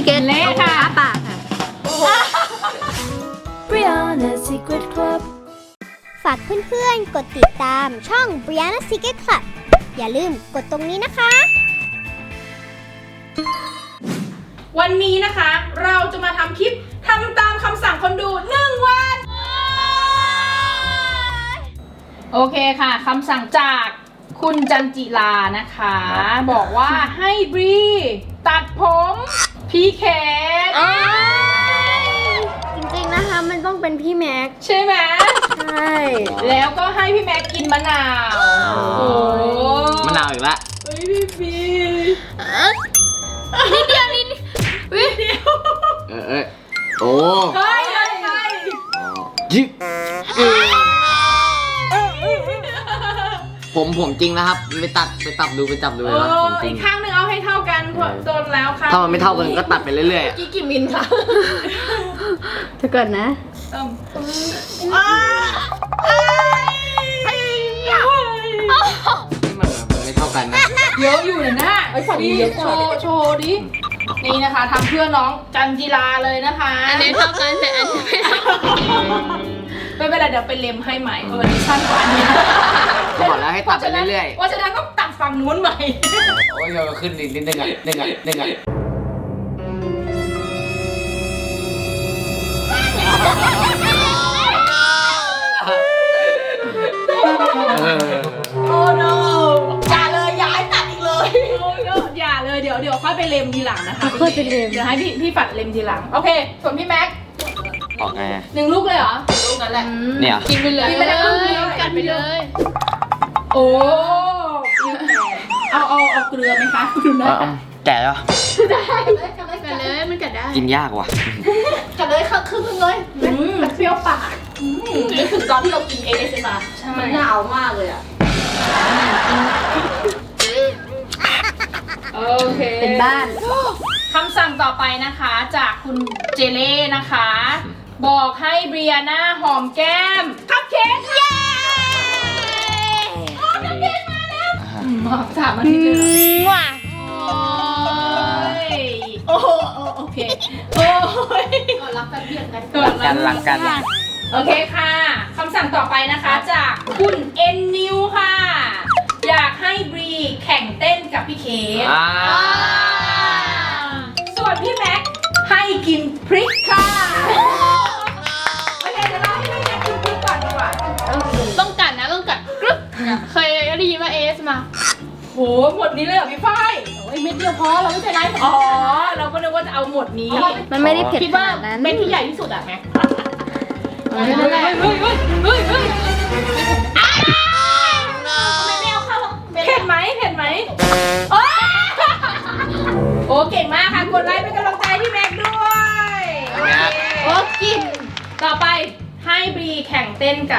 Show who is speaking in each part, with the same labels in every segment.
Speaker 1: เกตเล่ค่ะปากค่ะ
Speaker 2: Brianna Secret Club
Speaker 3: ฝากเพื่อนๆกดติดตามช่อง Brianna Secret Club อย่าลืมกดตรงนี้นะคะ
Speaker 4: วันนี้นะคะเราจะมาทำคลิปทำตามคำสั่งคนดู1 วัน โอเคค่ะคำสั่งจากคุณจันจิลานะคะ บอกว่าให้บรีตัดผมพี่เคท
Speaker 1: จริงๆนะคะมันต้องเป็นพี่แม็ก
Speaker 4: ใช่ไหม
Speaker 1: ใช่
Speaker 4: แล้วก็ให้พี่แม็กกินมะนาว โอ้
Speaker 5: มะนาวอีกละ
Speaker 4: เฮ้ยพี่บี
Speaker 1: นิดเดียวนิด
Speaker 4: วิเดียว
Speaker 5: โอ้
Speaker 4: เฮ้ยเฮ้ยเฮ้ย
Speaker 5: ยิบผมจริงนะครับไปตับดูเลยนะผมจริ
Speaker 4: อี
Speaker 5: ง
Speaker 4: กข้างหนึ่งเอาให้เท่ากันโดนแล้วค่ะ
Speaker 5: ถ้ามันไม่เท่ากันก็ตัดไปเรื่อยๆ
Speaker 4: กี่มิลคะ
Speaker 1: เดี๋ยวก่อนนะ
Speaker 5: มันไม่เท่ากันนะ
Speaker 4: เยอะอยู่นะไอ้ฝั่งนี้โชว์ดิ นี่นะคะทำเพื่อน้องจันจิลาเลยนะคะ
Speaker 1: อันนี้เท่ากันแต่อันนี้ไม่เท่ากัน
Speaker 4: ไม่เป็นไรเดี๋ยวไปเล็มให้ใหม่เพราะวันนี้สั้นกว่านี้
Speaker 5: ก็บอกแล้วให้ตัดไปเรื่อยๆ
Speaker 4: ว่าจะนั้นก็ตัดฝั่งนู้นใหม่
Speaker 5: โอ้ยเราขึ้นอีกนิดนึงอ่ะนึงอ่ะ
Speaker 4: โอ้ no อย่าเลยอย่าให้ตัดอีกเลยอย่าเลยเดี๋ยวค่อยไปเล็มทีหลังนะคะ
Speaker 1: ค่อยไปเล็ม
Speaker 4: เดี๋ยวให้พี่ฝัดเล็มทีหลังโอเคส่วนพี่แม็ก
Speaker 5: ออกไง
Speaker 4: 1 ลูกเลยเหรอลูกนั้นแหละ
Speaker 5: เนี่ย
Speaker 1: กินไปเลย
Speaker 4: กินไปเลย
Speaker 1: กัดไปเลย
Speaker 4: โอ้เอาเกลือไหมคะดูนะ
Speaker 5: แก่แล้ว
Speaker 1: กัดเลยมันกัดได้
Speaker 5: กินยากว่ะ
Speaker 4: กัดเลยค่ะครึ่งนึงเลยมันเปรี้ยวปากนึกถึงตอนที่เรากินเอเอสมามันหนาวมากเลยอ่ะโอเค
Speaker 1: เป็นบ้าน
Speaker 4: คำสั่งต่อไปนะคะจากคุณเจเล่นะคะ บอกให้เบรียนาหอมแก้มคัพเค้กเย้คัพเค้กมาแล้วมา3 อาทิตย์เลยเหรอโอ้โหโอเคโอ้ยก่อนรักกันเพียงกันก่อน
Speaker 5: รักกัน
Speaker 4: โอเคค่ะคำสั่งต่อไปนะคะจากคุณเอ็นนิวค่ะ อยากให้บรีแข่งเต้นกับพี่เคสส่วนพี่แม็กให้กินพริกค่ะโอเคเดี๋ยวเราให้พี่แม็กกินพริกก่อนดีกว่า
Speaker 1: ต้องกัดนะต้องกัดกรึ๊บเคยได้ยินว่าเอสมา
Speaker 4: โหหมดนี้เลยเหรอพี่ฝ้าย
Speaker 1: โอ้ยเม็ดเดียวพอเราไม่ใช่ไร
Speaker 4: อ๋อเราก็นึกว่าจะเอาหมดนี้
Speaker 1: มันไม่ได้เผ็ด
Speaker 4: คิด
Speaker 1: ข
Speaker 4: ว่า
Speaker 1: นาดนั้น
Speaker 4: เป็นที่ใหญ่ที่สุดอะแม็ก
Speaker 1: นั่นแหละ
Speaker 4: เผ็ดไหมโอ้เก่งมากค่ะกดไลค์เป็นกำลังใจที่แม็กด้วย
Speaker 1: โอ้กิน
Speaker 4: ต่อไปให้บรีแข่งเต้นกับ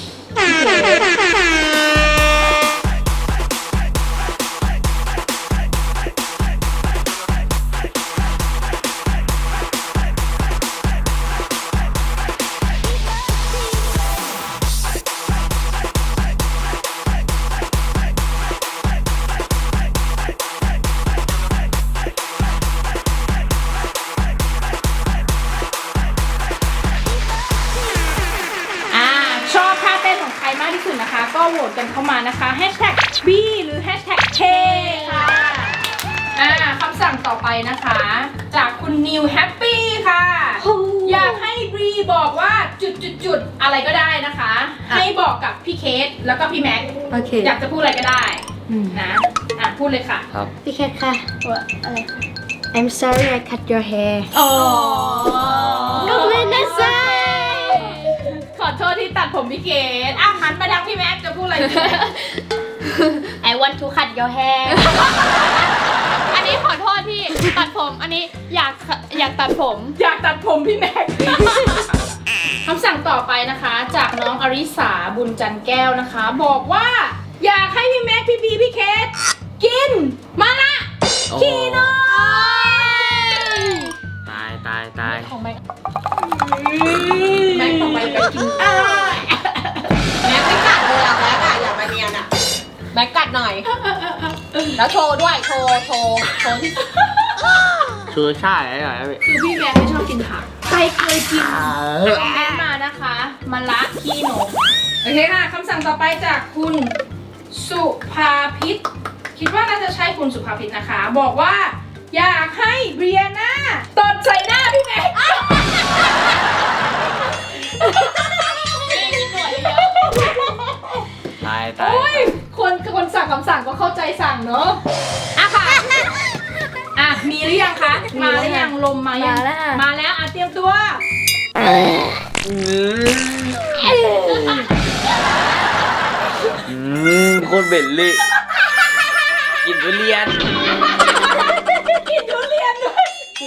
Speaker 4: ชอบท่าเต้นของใครมากที่สุดนะคะ ก็โหวตกันเข้ามานะคะ#B หรือ#K ค่ะคำสั่งต่อไปนะคะ จากคุณนิวแฮปปี้ค่ะ อยากให้บรีบอกว่าจุดอะไรก็ได้นะคะ ให้บอกกับพี่เคสแล้วก็พี่แม็ก
Speaker 1: โอเค
Speaker 4: อยากจะพูดอะไรก็ได้นะพูดเลยค่ะ
Speaker 5: ครับ
Speaker 1: พี่แคทค่ะอะไรคะ I'm sorry I cut your hair
Speaker 4: อ๋อ
Speaker 1: ก็ไม่ได้ใส่
Speaker 4: ขอโทษที่ตัดผมพี่เกดหันมาทางพี่แม็กจะพูดอะไรดี
Speaker 1: I want to cut your hair อันนี้ขอโทษที่ตัดผม อันนี้อยากตัดผม
Speaker 4: อยากตัดผมพี่แม็ก คำสั่งต่อไปนะคะ จากน้องอริสาบุญจันแก้วนะคะ บอกว่าอยากให้พี่แม็กพี่บีพี่เคสกินมาละคีโน
Speaker 5: ตาย
Speaker 4: ของแม็กต่อไปไปกินแม็กไม่กัดเลยแม็กอย่ามาเนียนแม็กกัดหน่อย แล้วโชว์ด้วยโชว์ที่
Speaker 5: ชูรสชาติอะไรหน่อยนะพี่
Speaker 4: คือพี่แม็กไม่ชอบกินผักใครเคยกินคอมเมนต์มานะคะมะระขี้นกโอเคค่ะคำสั่งต่อไปจากคุณสุภาพิษคิดว่าน่าจะใช่คุณสุภาพิษนะคะ บอกว่าอยากให้เบียน่าตดใส่หน้าพี่แม็ก
Speaker 5: ตาย
Speaker 4: โอ้ยคนสั่งคำสั่งก็เข้าใจสั่งเนอะอ่ะค่ะอ่ะมีหรือยังคะมาหรือยังลมมายัง
Speaker 3: มาแล้วค่ะ
Speaker 4: มาแล้วอ่ะเตรียมตัว
Speaker 5: โคตรเบ็ดเลยกินทุเรียน
Speaker 4: กินทุเรียนด้วย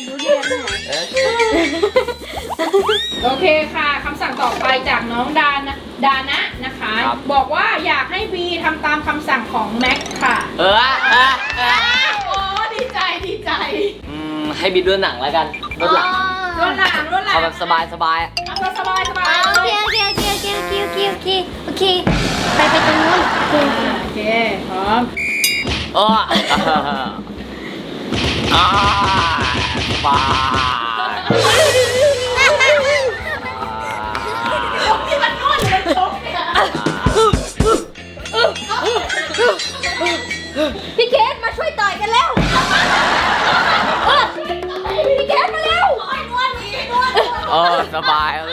Speaker 4: โอเคค่ะคำสั่งต่อไปจากน้องดานะนะคะ บอกว่าอยากให้บีทำตามคำสั่งของแม็กค่ะ
Speaker 5: เออ
Speaker 4: โอ้ดีใจดีใจ
Speaker 5: ให้บิดด้วยหนังแล้วกันรถหลัง
Speaker 4: รถหลัง
Speaker 5: เอาแบบสบายสบาย
Speaker 4: เอาแบบสบายสบาย
Speaker 3: โอเคโอเคโอเคโอเคโอเคโอเคโอเคโอเคไปตรงนู้นโอเค
Speaker 4: โอเคพร้อม
Speaker 5: โอ้สบาย
Speaker 4: ที่มันนวดหรือมันชกเนี่ย
Speaker 3: พี่เคสมาช่วยต่อยกันแล้วพี่เคสมาเร็ว
Speaker 5: โอ้สบายเลย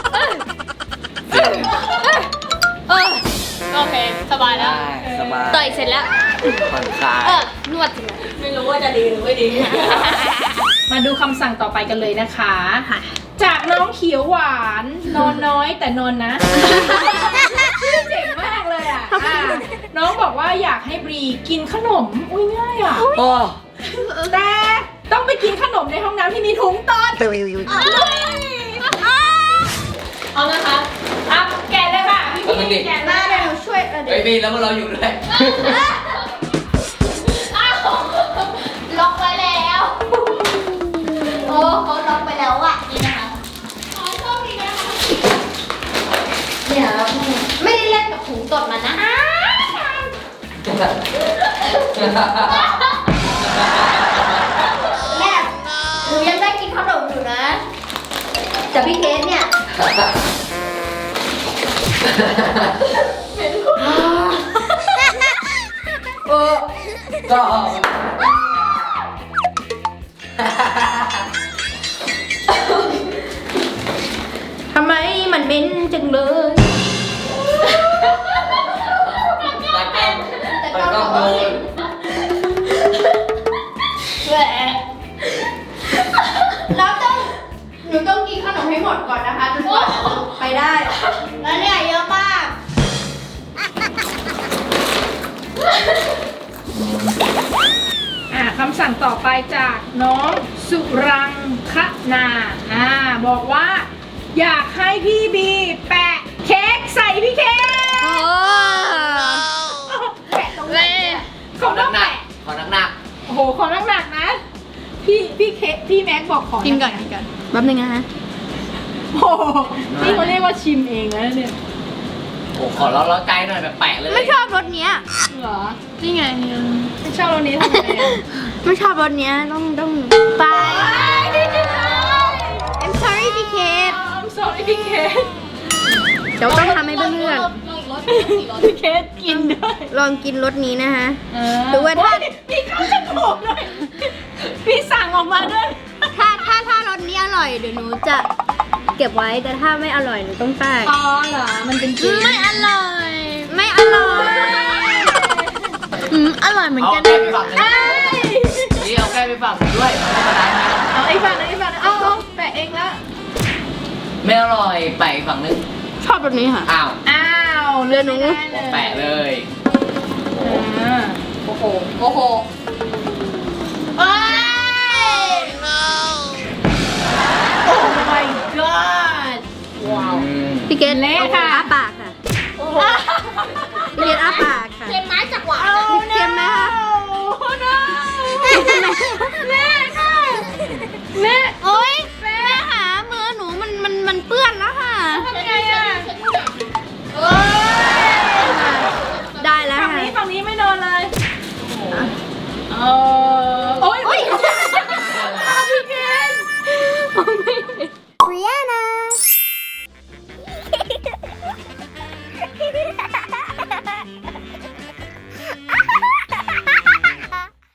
Speaker 1: โอเค สบายแล้ว
Speaker 5: สบาย
Speaker 3: ต่อยเสร็จแล้ว
Speaker 5: ผ่อนคลาย
Speaker 3: นวดสินะ
Speaker 1: ไม่รู้ว่าจะดีหรือไม่ดี
Speaker 4: มาดูคำสั่งต่อไปกันเลยนะคะ จากน้องเขียวหวานนอนน้อยแต่นอนนะชื่อเจ๋งมากเลยอ่ะน้องบอกว่าอยากให้บรีกินขนมอุ้ยง่ายอ่ะ
Speaker 5: โอ้
Speaker 4: แต่ต้องไปกินขนมในห้องน้ำที่มีถุงตอน
Speaker 1: เอานะคะ
Speaker 4: อ่ะแกะเลยค่ะพี่แกะหน้าเลย
Speaker 3: ช่วย
Speaker 5: ไอ้บีแล้วเราอยู่ด้วย
Speaker 3: ล็อกไว้แล้ว โอ้เขาล็อกไปแล้วอ่ะ
Speaker 1: นี่นะคะ
Speaker 3: เนี่ยไม่ได้เล่นกับถุงตดมันนะแม่หนูยังได้กินขนมอยู่นะแต่พี่เคสเนี่ย
Speaker 5: ก็
Speaker 4: ทำไมมันเหม็นจังเลย
Speaker 5: แต่ก็โดน
Speaker 3: แล้วหนูต้องกินขนมให้หมดก่อนนะคะจนกว่าไปได้ แล้วเนี่ยเยอะมาก
Speaker 4: คำสั่งต่อไปจากน้องสุรังคนาบอกว่า อยากให้พี่บีแปะเค้กใส่พี่เค้กแปะตรงไหนเขาต้องแปะ
Speaker 5: ขอหนัก
Speaker 4: โอ้โหขอหนักๆนะพี่เค้กพี่แม็กบอกขอ
Speaker 1: กินก่อนกินก่อน
Speaker 3: แป๊บนึงนะฮะ
Speaker 4: โอ้โหนี่เขาเรียกว่าชิมเองแล้วเนี่ย
Speaker 5: โอ้ขอร้อนๆใจหน่อยแบบแปะเลย
Speaker 3: ไม่ชอบรสเนี้ย
Speaker 4: เหรอ
Speaker 1: นี่ไง
Speaker 4: ไม่ชอบรสนี้ทำไมอ่ะ
Speaker 3: ไม่ชอบรสเนี้ยต้องไป I'm sorry พี่เคส
Speaker 4: I'm sorry พี่เค้ก
Speaker 3: เดี๋ยวต้องทำให้เพื่อน
Speaker 1: ลองอีกรสอีกรส
Speaker 4: พี่เค้กกินด้วย
Speaker 3: ๆลองกินรสนี้นะฮะ ห
Speaker 4: ห
Speaker 3: รือว่าถ้า
Speaker 4: พี่เข้าจมูกด้วยพี่สั่งออกมาด้วย
Speaker 3: ถ้ารสนี้อร่อยเดี๋ยวหนูจะเก็บไว้แต่ถ้าไม่อร่อยหนูต้องแป้ง
Speaker 4: อ๋อเหรอ มันเป็นจริง
Speaker 3: ไม่อร่อย ไม่อร่อยอร่อยเหมือน
Speaker 5: เอา
Speaker 3: กัน
Speaker 5: แก้ไปฝั่งนึงนี่เอาแก้ไปฝั่งด้วยไม่เป็นไรนะ
Speaker 4: เอาไอ้ฝั่งนึงไอ้ฝั่งนึงเอาแปะเองแล้ว
Speaker 5: ไม่อร่อยแปะอีกฝั่งนึง
Speaker 3: ชอบรสนี้ค่ะ
Speaker 5: อ้าว
Speaker 4: อ้าว
Speaker 3: เรือหนู
Speaker 4: ได้เลย
Speaker 5: แปะเลย
Speaker 4: อ่า
Speaker 1: โอ้โห โอ้โห
Speaker 3: โอ้ย
Speaker 4: โอ้ my god ว้าว
Speaker 3: พี่เกด
Speaker 4: เละค่ะ
Speaker 3: อ้าปากค่ะพี่เกดอ้าปากค่ะ
Speaker 1: เค็มไม้จากหวาน
Speaker 3: เค็มไหมคะ
Speaker 4: โอ้ no
Speaker 3: เค็มไหม
Speaker 4: แม่ค่ะแม่
Speaker 3: โอ๊ยแม่ค่ะมือหนูมันเปื้อนแล้วค่ะ
Speaker 4: ทำไงอ่ะ
Speaker 3: ได้แล้ว
Speaker 4: ฝั่ง
Speaker 3: ค่ะ
Speaker 4: นี้ฝั่งนี้ไม่โดนเลยโอ้